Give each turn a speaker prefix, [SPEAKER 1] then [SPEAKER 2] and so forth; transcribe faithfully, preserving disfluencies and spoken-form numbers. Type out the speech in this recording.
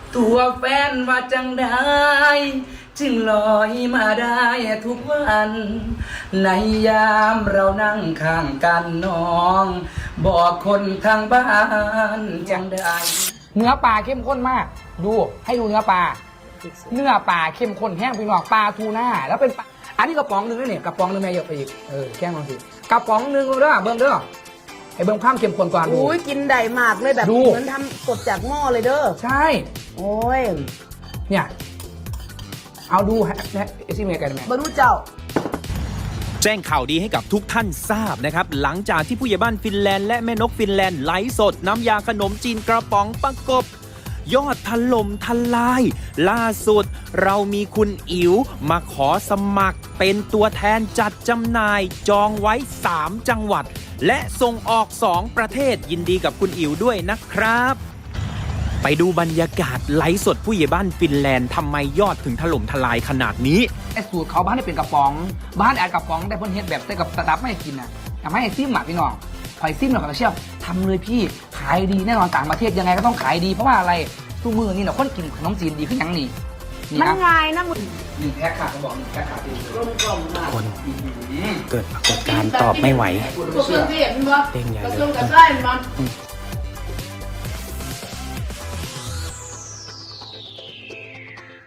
[SPEAKER 1] ตัวแฟนว่าจังได้จึงลอยมาได้ทุกวัน ในยามเรานั่งข้างกันน้อง บอกคนทางบ้านจังได้เนื้อปลาเข้มข้นมากดูให้ดูเนื้อปลาเนื้อปลาเข้มข้นแห้งพี่น้องปลาทูน่าแล้วเป็นปลาอันนี้กระป๋องหนึงด้วยเนี่ยกระป๋องหนึงแม่เยอะไปอีกเออแกล้งลองสิกระป๋องหนึงเด้อเบิ้งเด้อไอ้เบิ้งข้ามเข้มข้นกว่าดู
[SPEAKER 2] อุ้ยกินได้มากเลยแบบ
[SPEAKER 1] ดู
[SPEAKER 2] เหมือนทำสดจากหม้อเลยเด้อ
[SPEAKER 1] ใช่
[SPEAKER 2] โอ้ย
[SPEAKER 1] เนี่ยเอาดูฮะไอ้ซิเมกันแม่
[SPEAKER 2] บรรลุเจ้า
[SPEAKER 3] แจ้งข่าวดีให้กับทุกท่านทราบนะครับหลังจากที่ผู้ใหญ่บ้านฟินแลนด์และแม่นกฟินแลนด์ไลฟ์สดน้ำยาขนมจีนกระป๋องประกบยอดถล่มทลาย ล่าสุดเรามีคุณอิ๋วมาขอสมัครเป็นตัวแทนจัดจำหน่ายจองไว้สามจังหวัด และส่งออกสองประเทศยินดีกับคุณอิ๋วด้วยนะครับ ไปดูบรรยากาศไลฟ์สดผู้ใหญ่บ้านฟินแลนด์ทำไมยอดถึงถล่มทลายขนาดนี้
[SPEAKER 1] ไอ้สูตรเขาบ้านได้เป็นกระป๋องบ้านแอดกระป๋องแต่เพิ่นเฮ็ดแบบใส่กับสตัฟไม่ให้กินนะอยากให้ไอ้ซิมอ่ะพี่น้องหอยซิมหน่อยก็เชี่ยวทำเลยพี่ขายดีแน่นอนต่างประเทศยังไงก็ต้องขายดีเพราะว่าอะไรทุกมือนี่เนาะคนกินขนมจีนดีขึ้นยังนี่นี่
[SPEAKER 2] มัน
[SPEAKER 1] นะ
[SPEAKER 2] ง่ายนะมึง
[SPEAKER 1] หนึ่งแพ็คค่ะเขาบอกหนึ่งแพ็คค่ะพี่
[SPEAKER 2] กลมกล่อมมาก
[SPEAKER 3] คนเกิดปรากฏการณ์ตอบไม่ไหว
[SPEAKER 2] พวกเครื่องเทศมันบ่
[SPEAKER 3] เด้งใหญ่
[SPEAKER 2] กระ
[SPEAKER 3] เล
[SPEAKER 2] ทรวง
[SPEAKER 3] ย
[SPEAKER 2] กระไส้มันบ่